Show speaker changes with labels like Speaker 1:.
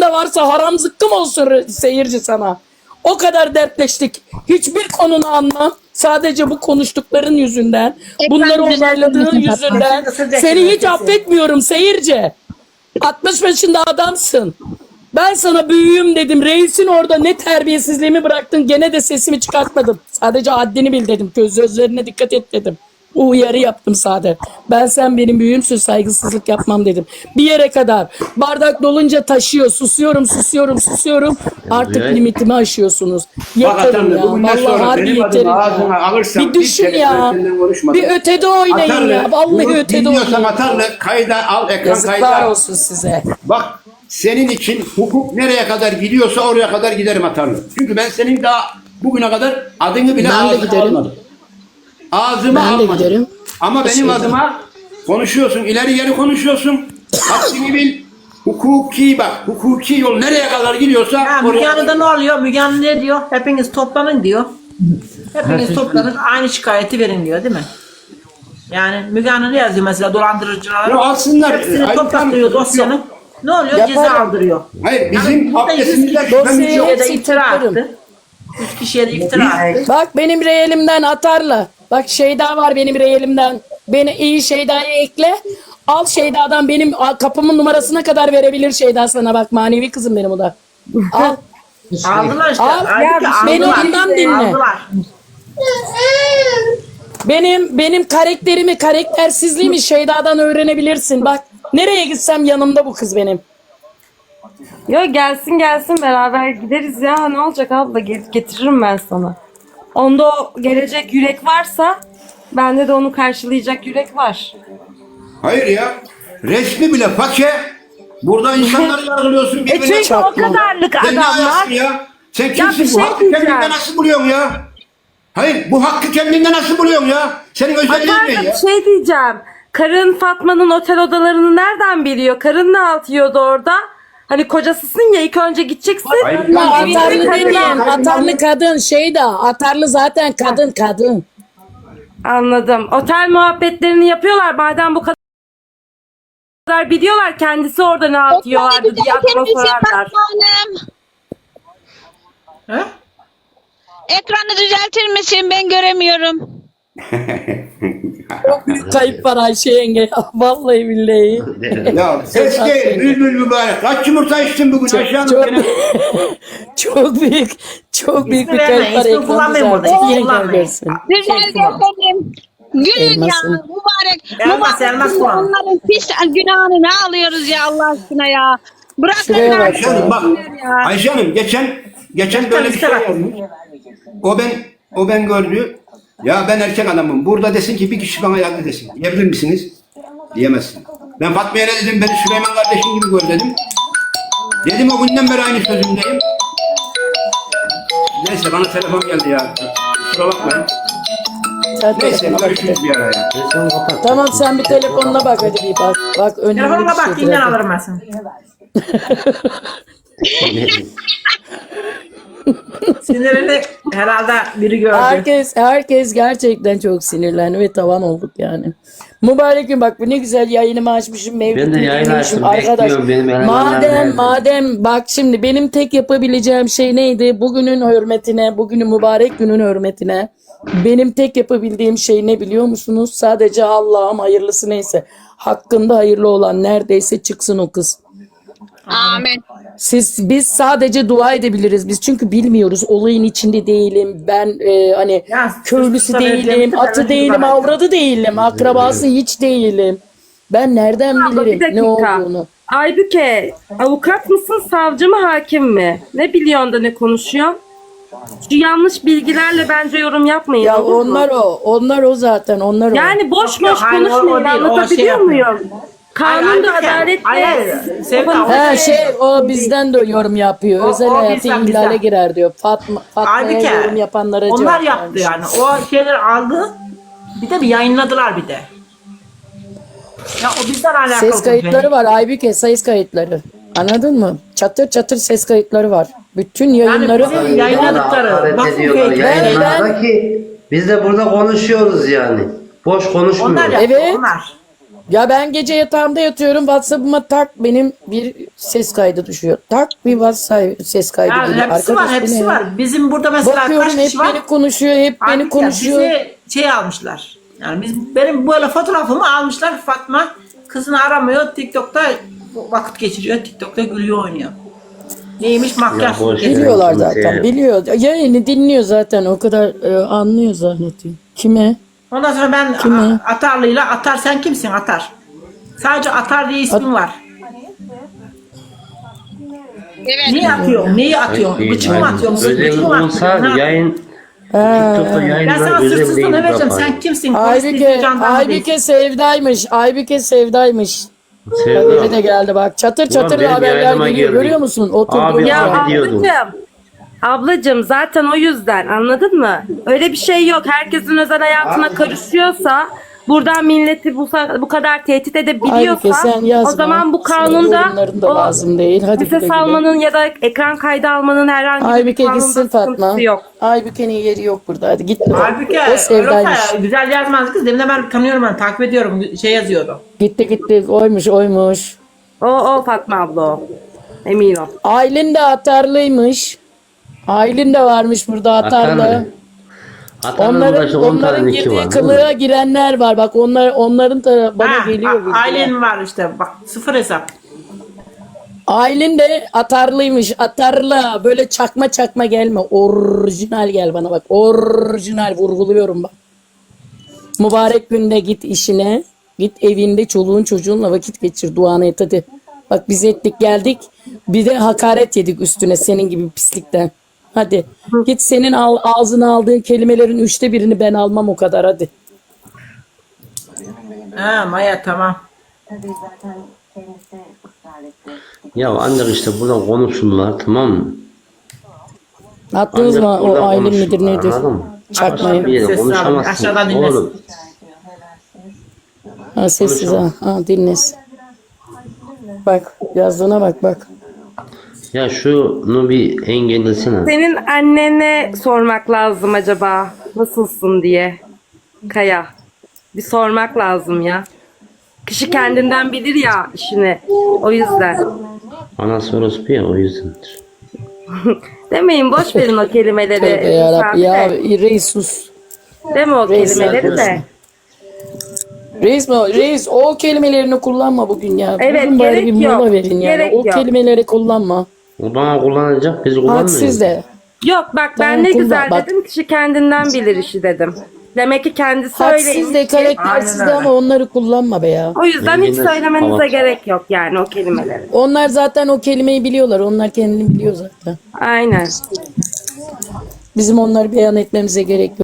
Speaker 1: para varsa haram zıkkım olsun seyirci sana. O kadar dertleştik. Hiçbir konunu anlam. Sadece bu konuştukların yüzünden, bunları onayladığın yüzünden seni hiç affetmiyorum seyirci. 60 yaşında adamsın. Ben sana büyüğüm dedim. Reisin orada ne terbiyesizliğimi bıraktın. Gene de sesimi çıkartmadım. Sadece haddini bil dedim. Sözlerine dikkat et dedim. O uyarı yaptım sadece. Sen benim büyüğümsün, saygısızlık yapmam dedim. Bir yere kadar. Bardak dolunca taşıyor. Susuyorum. Artık limitimi aşıyorsunuz. Yeterim ya. Vallahi harbi yeterim ya. Bir düşün ya. Bir ötede oynayın
Speaker 2: Atarlı,
Speaker 1: ya. Vallahi ötede
Speaker 2: dinliyorsan
Speaker 1: oynayın.
Speaker 2: Atarlı kayda al, ekran
Speaker 1: Yazıklar
Speaker 2: kayda.
Speaker 1: olsun size.
Speaker 2: Bak senin için hukuk nereye kadar gidiyorsa oraya kadar giderim Atarlı. Çünkü ben senin daha bugüne kadar adını bile
Speaker 1: Ben de
Speaker 2: ağzıma
Speaker 1: giderim.
Speaker 2: almadım. Ağzıma
Speaker 1: Ben de
Speaker 2: almadım.
Speaker 1: giderim.
Speaker 2: Ama benim
Speaker 1: Teşekkür
Speaker 2: adıma konuşuyorsun, ileri geri konuşuyorsun. Haddini bil. Hukuki bak, hukuki yol nereye kadar gidiyorsa
Speaker 3: Ya Müge
Speaker 2: oraya.
Speaker 3: Anlı'da ne oluyor? Müge Anlı ne diyor? Hepiniz toplanın diyor. Hepiniz toplanın aynı şikayeti verin diyor değil mi? Yani Müge Anlı ne yazıyor mesela dolandırıcılara?
Speaker 2: Ya alsınlar.
Speaker 3: Hepsini
Speaker 2: Hayır,
Speaker 3: toplatlıyor
Speaker 2: tamam.
Speaker 3: dosyanın. Ne oluyor?
Speaker 1: Yaparım.
Speaker 3: Ceza aldırıyor.
Speaker 2: Hayır bizim
Speaker 3: burada
Speaker 2: abdestimizde şüphemiz
Speaker 1: dosyayı
Speaker 2: yok.
Speaker 3: Ya da
Speaker 1: hepsini
Speaker 3: iftira
Speaker 1: toplarım.
Speaker 3: attı. 3 kişiye de iftira attı.
Speaker 1: Bak benim reyelimden Atarlı. Bak Şeyda var benim reyelimden. Beni iyi Şeyda'ya ekle. Al Şeyda'dan benim kapımın numarasına kadar verebilir Şeyda sana. Bak manevi kızım benim o da. Al.
Speaker 3: Aldılar işte.
Speaker 1: Al.
Speaker 3: Halbuki
Speaker 1: Beni
Speaker 3: aldılar.
Speaker 1: ondan dinle.
Speaker 3: Aldılar.
Speaker 1: Benim karaktersizliğimi Şeyda'dan öğrenebilirsin. Bak nereye gitsem yanımda bu kız benim.
Speaker 4: Yo gelsin beraber gideriz ya. Ne olacak abla, getiririm ben sana. Onda o gelecek yürek varsa bende de onu karşılayacak yürek var.
Speaker 2: Hayır ya. Resmi bile fake. Burada insanları yargılıyorsun. birbirine
Speaker 4: çünkü o
Speaker 2: çarpıyor.
Speaker 4: kadarlık
Speaker 2: Sen ne
Speaker 4: adamlar-
Speaker 2: ayaksın ya? Sen
Speaker 4: bir
Speaker 2: kimsin?
Speaker 4: şey
Speaker 2: Bu hakkı
Speaker 4: diyeceğim.
Speaker 2: kendinde nasıl buluyorsun ya? Hayır bu hakkı kendinde nasıl buluyorsun ya? Senin özelliğin ne
Speaker 4: Hatta
Speaker 2: ya?
Speaker 4: bir şey diyeceğim. Karın Fatma'nın otel odalarını nereden biliyor? Karın ne alt yiyordu orada? Hani kocasısın ya, ilk önce gideceksin.
Speaker 2: Hayır,
Speaker 1: Ya
Speaker 2: Hayır,
Speaker 1: Atarlı
Speaker 2: hayır,
Speaker 1: demeyen.
Speaker 2: hayır,
Speaker 1: Atarlı kadın Şeyda. Atarlı zaten kadın.
Speaker 4: Anladım. Otel muhabbetlerini yapıyorlar. Madem bu kadar biliyorlar, kendisi orada ne yapıyorlardı diye aklıma sorarlar.
Speaker 3: He?
Speaker 5: Ekranı düzeltir misin? Ben göremiyorum.
Speaker 1: Çok büyük kayıp var Ayşe yenge. Ya. Vallahi billahi.
Speaker 2: Ya keşke bülbül mübarek. Kaç yumurta içtin bugün Ayşe Hanım?
Speaker 1: Çok,
Speaker 2: Gene-
Speaker 1: çok büyük bir
Speaker 3: vermeyin,
Speaker 1: kayıp var.
Speaker 3: ismi kullanmayın burada,
Speaker 1: Ekranı
Speaker 3: ismi
Speaker 1: düzeltin.
Speaker 3: kullanmayın.
Speaker 1: Görsün.
Speaker 5: Güzel efendim. Gülün ya.
Speaker 1: Elmasın.
Speaker 5: Mübarek.
Speaker 3: Elmas kullan.
Speaker 5: Onların pis günahını ne alıyoruz ya Allah aşkına ya. Bırakın
Speaker 1: Şuraya bak
Speaker 2: Ayşe Hanım bak.
Speaker 5: ya.
Speaker 2: Ayşe Hanım geçen böyle bir şey yazmış. O ben gördü. Ya ben erkek adamım. Burada desin ki bir kişi bana yardım desin. Diyebilir misiniz? Diyemezsin. Ben Fatma'ya ne dedim? Beni Süleyman kardeşim gibi gör dedim. Dedim o günden beri aynı sözümdeyim. Neyse bana telefon geldi ya. Kusura bakmayın.
Speaker 1: Sen
Speaker 2: Neyse
Speaker 1: telefona bak.
Speaker 2: görüşürüz bir ara ya.
Speaker 1: Tamam sen bir telefonuna bak hadi bir bak. Bak önemli
Speaker 3: Telefonuma
Speaker 1: bir
Speaker 3: bak,
Speaker 1: şey.
Speaker 3: dinlen
Speaker 1: direkt.
Speaker 3: alırım ben seni. Sinirini herhalde biri gördü.
Speaker 1: Herkes gerçekten çok sinirlendi ve tavan olduk yani. Mübarek gün bak bu ne güzel yayınımı açmışım.
Speaker 6: Ben de yayın açtım, bekliyorum benim elemanlar nerede?
Speaker 1: Madem bak şimdi benim tek yapabileceğim şey neydi? Bugünün hürmetine, bugünün mübarek günün hürmetine benim tek yapabildiğim şey ne biliyor musunuz? Sadece Allah'ım hayırlısı neyse. Hakkında hayırlı olan neredeyse çıksın o kız.
Speaker 5: Amin.
Speaker 1: Biz sadece dua edebiliriz. Biz çünkü bilmiyoruz. Olayın içinde değilim. Ben hani
Speaker 3: Ya,
Speaker 1: köylüsü
Speaker 3: suçlu
Speaker 1: değilim,
Speaker 3: belirtisi
Speaker 1: atı
Speaker 3: ben
Speaker 1: değilim,
Speaker 3: bana-
Speaker 1: avradı değilim, akrabası hiç değilim. Ben nereden
Speaker 4: Abla, bir
Speaker 1: bilirim ne
Speaker 4: dakika.
Speaker 1: olduğunu?
Speaker 4: Aybüke, avukat mısın, savcı mı, hakim mi? Ne biliyorsun da ne konuşuyorsun? Şu yanlış bilgilerle bence yorum yapmayın.
Speaker 1: Ya
Speaker 4: olur mu?
Speaker 1: onlar o zaten, onlar o.
Speaker 4: Yani boş
Speaker 3: Yok,
Speaker 4: boş
Speaker 3: hayır, o
Speaker 4: konuşmayın.
Speaker 3: değil, o şey
Speaker 4: Anlatabiliyor
Speaker 3: yapmıyor.
Speaker 4: muyum? Kanun da adalet
Speaker 3: Hayır, Sevda,
Speaker 1: O bizden de yorum yapıyor. Özel
Speaker 3: o
Speaker 1: hayatı
Speaker 3: bizden,
Speaker 1: ihlale
Speaker 3: bizden.
Speaker 1: girer diyor. Fatma'ya
Speaker 3: Aybüke,
Speaker 1: yorum yapanlara
Speaker 3: onlar
Speaker 1: cevap
Speaker 3: yaptı
Speaker 1: vermiş.
Speaker 3: yani. O şeyleri aldı. Bir de bir yayınladılar bir de. Ya o bizden alakalı.
Speaker 1: Ses kayıtları var Aybüke, ses kayıtları. Anladın mı? Çatır çatır ses kayıtları var. Bütün yayınları
Speaker 3: bizim yayınladıkları.
Speaker 6: Hakaret
Speaker 3: Bak,
Speaker 6: ediyorlar yayınlarda ki biz de burada konuşuyoruz yani. Boş
Speaker 3: Onlar
Speaker 6: konuşmuyoruz.
Speaker 3: yaptı,
Speaker 1: Evet.
Speaker 3: onlar.
Speaker 1: Ya ben gece yatağımda yatıyorum. WhatsApp'ıma tak benim bir ses kaydı düşüyor. Tak bir WhatsApp ses kaydı
Speaker 3: Ya
Speaker 1: geliyor.
Speaker 3: hepsi var,
Speaker 1: Arkadaş, bu
Speaker 3: hepsi
Speaker 1: ne?
Speaker 3: var. Bizim burada mesela
Speaker 1: Bakıyorum
Speaker 3: kaç
Speaker 1: hep
Speaker 3: kişi var?
Speaker 1: beni konuşuyor, hep beni
Speaker 3: Abi ya
Speaker 1: konuşuyor.
Speaker 3: bize şey almışlar. Yani benim böyle fotoğrafımı almışlar. Fatma kızını aramıyor. TikTok'ta vakit geçiriyor. TikTok'ta gülüyor, oynuyor. Neymiş, makyaj.
Speaker 6: Ya boş ver.
Speaker 1: Biliyorlar
Speaker 6: Kimse-
Speaker 1: zaten, biliyor. Yayını dinliyor zaten, o kadar anlıyor zannediyor. Kime?
Speaker 3: Ondan sonra ben
Speaker 1: Kimi?
Speaker 3: Atarlı'yla Atar, sen kimsin Atar? Sadece Atar diye ismin var.
Speaker 5: Evet.
Speaker 3: Neyi atıyorsun? Neyi atıyorsun? Bıçık mı atıyorsun?
Speaker 6: Özel
Speaker 3: Bıçık mı
Speaker 6: olsa
Speaker 3: atıyorsun?
Speaker 6: yayın TikTok'ta
Speaker 3: Ben
Speaker 6: yayınlar
Speaker 3: sana
Speaker 6: özel
Speaker 3: sırtsızlığını
Speaker 6: değil
Speaker 3: vereceğim.
Speaker 6: yaparım.
Speaker 3: Sen kimsin? Polis
Speaker 1: Aybüke,
Speaker 3: değilsin, jandarma değilsin.
Speaker 1: Aybüke Sevda'ymış. Aybüke Sevda'ymış. Haberi de geldi bak. Çatır çatır
Speaker 6: benim
Speaker 1: haberler
Speaker 6: yayınıma
Speaker 1: geliyor.
Speaker 6: girdi.
Speaker 1: Görüyor musun? Oturduğum
Speaker 6: Abi,
Speaker 4: Ya
Speaker 1: yer.
Speaker 6: abi diyordum.
Speaker 4: ablacığım zaten o yüzden, anladın mı? Öyle bir şey yok. Herkesin özel hayatına karışıyorsa, buradan milleti bu kadar tehdit
Speaker 1: Aybüke
Speaker 4: edebiliyorsa,
Speaker 1: sen yazma.
Speaker 4: o zaman bu
Speaker 1: Senin
Speaker 4: kanunda
Speaker 1: yorumların da
Speaker 4: o
Speaker 1: lazım değil. Hadi güle
Speaker 4: ses
Speaker 1: güle.
Speaker 4: almanın ya da ekran kaydı almanın herhangi bir
Speaker 1: Aybüke
Speaker 4: kanunda
Speaker 1: gitsin Fatma.
Speaker 4: sıkıntısı yok.
Speaker 1: Aybüke'nin yeri yok burada. Hadi git.
Speaker 3: Halbuki
Speaker 1: O Sevda'ymış.
Speaker 3: güzel yazmaz kız. Demin de ben tanıyorum, ben takip ediyorum. Şey yazıyordu.
Speaker 1: Gitti gitti. Oymuş oymuş.
Speaker 4: O Fatma abla o. Emin ol.
Speaker 1: Aylin de atarlıymış. Aylin de varmış burada atarlı.
Speaker 6: Atarlı. Atanın başta 10
Speaker 1: Onların
Speaker 6: tane iki
Speaker 1: girdiği
Speaker 6: var.
Speaker 1: kılığa girenler var. Bak onların da bana geliyor. bilgiler.
Speaker 3: Ailen var işte. Bak, sıfır hesap.
Speaker 1: Aylin de atarlıymış. Atarlı. Böyle çakma çakma gelme. Orijinal gel bana bak. Orijinal vurguluyorum bak. Mübarek günde git işine. Git evinde çoluğun çocuğunla vakit geçir. Duanı et hadi. Bak biz ettik geldik. Bir de hakaret yedik üstüne senin gibi pislikten. Hadi. Git senin ağzına aldığın kelimelerin 1/3'ünü ben almam o kadar hadi.
Speaker 3: Ha Maya, tamam.
Speaker 6: Ya ancak işte burada konuşsunlar, tamam mı?
Speaker 1: Attınız
Speaker 6: Ancak
Speaker 1: mı o
Speaker 6: burada
Speaker 1: Aylin midir
Speaker 6: konuşsunlar,
Speaker 1: nedir?
Speaker 6: anladın mı?
Speaker 1: Çakmayı.
Speaker 6: Bir yere
Speaker 3: Sessiz abi,
Speaker 6: konuşamazsın.
Speaker 3: aşağıdan dinlesin.
Speaker 6: Oğlum,
Speaker 1: Ha, sessiz ha. Ha dinlesin. Bak yazdığına bak bak.
Speaker 6: ya şunu bir engellesene.
Speaker 4: Senin annene sormak lazım acaba nasılsın diye. Kaya. Bir sormak lazım ya. Kişi kendinden bilir ya işini. O yüzden.
Speaker 6: Anası orospu ya, o yüzdendir.
Speaker 4: Demeyin, boş verin o kelimeleri.
Speaker 1: Tövbe yarabbim ya
Speaker 4: Safi de.
Speaker 1: reis sus.
Speaker 4: Deme o
Speaker 1: Reis
Speaker 4: kelimeleri de.
Speaker 1: zaten. Reis mi? Reis o kelimelerini kullanma bugün ya.
Speaker 4: Evet,
Speaker 1: Bugün bari
Speaker 4: gerek
Speaker 1: bir mola
Speaker 4: yok.
Speaker 1: verin yani.
Speaker 4: Gerek
Speaker 1: O
Speaker 4: yok.
Speaker 1: kelimeleri kullanma.
Speaker 6: O bana kullanacak, biz kullanmıyoruz.
Speaker 1: Hadsiz de.
Speaker 4: Yok bak, ben
Speaker 1: Tamam,
Speaker 4: ne
Speaker 1: kullan,
Speaker 4: güzel
Speaker 1: bak.
Speaker 4: dedim, kişi kendinden bilir işi dedim. Demek ki kendisi öyleymiş
Speaker 1: Hadsiz de
Speaker 4: ki-
Speaker 1: karaktersiz de
Speaker 3: Aynen
Speaker 1: ama onları kullanma be ya.
Speaker 4: O yüzden hiç
Speaker 6: Yine
Speaker 4: söylemenize
Speaker 6: tamam.
Speaker 4: gerek yok yani o kelimeleri.
Speaker 1: Onlar zaten o kelimeyi biliyorlar. Onlar kendini biliyor zaten.
Speaker 4: Aynen.
Speaker 1: Bizim onları beyan etmemize gerek yok.